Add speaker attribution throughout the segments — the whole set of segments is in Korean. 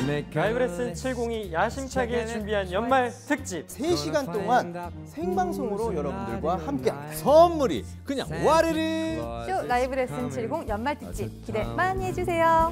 Speaker 1: 라이브 레슨 702 야심차게 준비한 연말 특집
Speaker 2: 3시간 동안 생방송으로 여러분들과 함께 선물이 그냥 와르르
Speaker 3: 쇼 라이브 레슨 70 연말 특집 기대 많이 해주세요.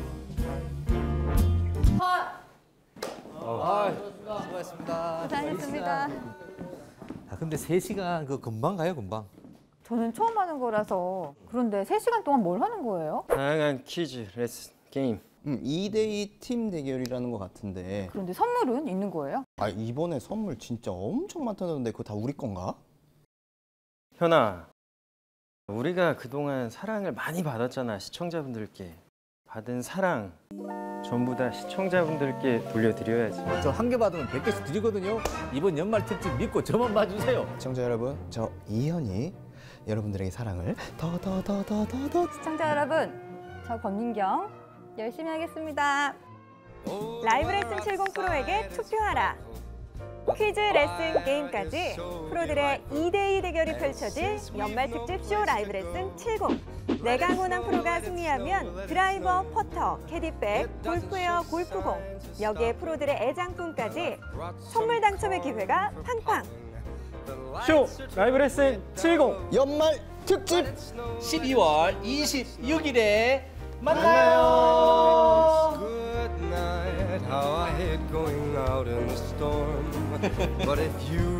Speaker 2: 수고하셨습니다.
Speaker 3: 고생하셨습니다.
Speaker 2: 근데 3시간 그 금방 가요, 금방.
Speaker 3: 저는 처음 하는 거라서. 그런데 3시간 동안 뭘 하는 거예요?
Speaker 1: 다양한 퀴즈, 레슨, 게임
Speaker 4: 2대2 팀 대결이라는 것 같은데
Speaker 3: 그런데 선물은 있는 거예요?
Speaker 4: 이번에 선물 진짜 엄청 많다는데 그거 다 우리 건가?
Speaker 1: 현아, 우리가 그동안 사랑을 많이 받았잖아. 시청자분들께 받은 사랑 전부 다 시청자분들께 돌려드려야지.
Speaker 2: 저 한 개 받으면 100개씩 드리거든요. 이번 연말 특집 믿고 저만 봐주세요.
Speaker 4: 시청자 여러분, 저 이현이 여러분들에게 사랑을 더
Speaker 3: 시청자 여러분, 저 권민경 열심히 하겠습니다.
Speaker 5: 라이브 레슨 70 프로에게 투표하라. 퀴즈, 레슨, 게임까지 프로들의 2대2 대결이 펼쳐질 연말 특집 쇼 라이브 레슨 70. 내가 원한 프로가 승리하면 드라이버, 퍼터, 캐디백, 골프웨어, 골프공, 여기에 프로들의 애장품까지 선물 당첨의 기회가 팡팡.
Speaker 1: 쇼 라이브 레슨 70
Speaker 4: 연말 특집
Speaker 2: 12월 26일에 만나요.
Speaker 6: Good night, how I hate going out in the storm. But if you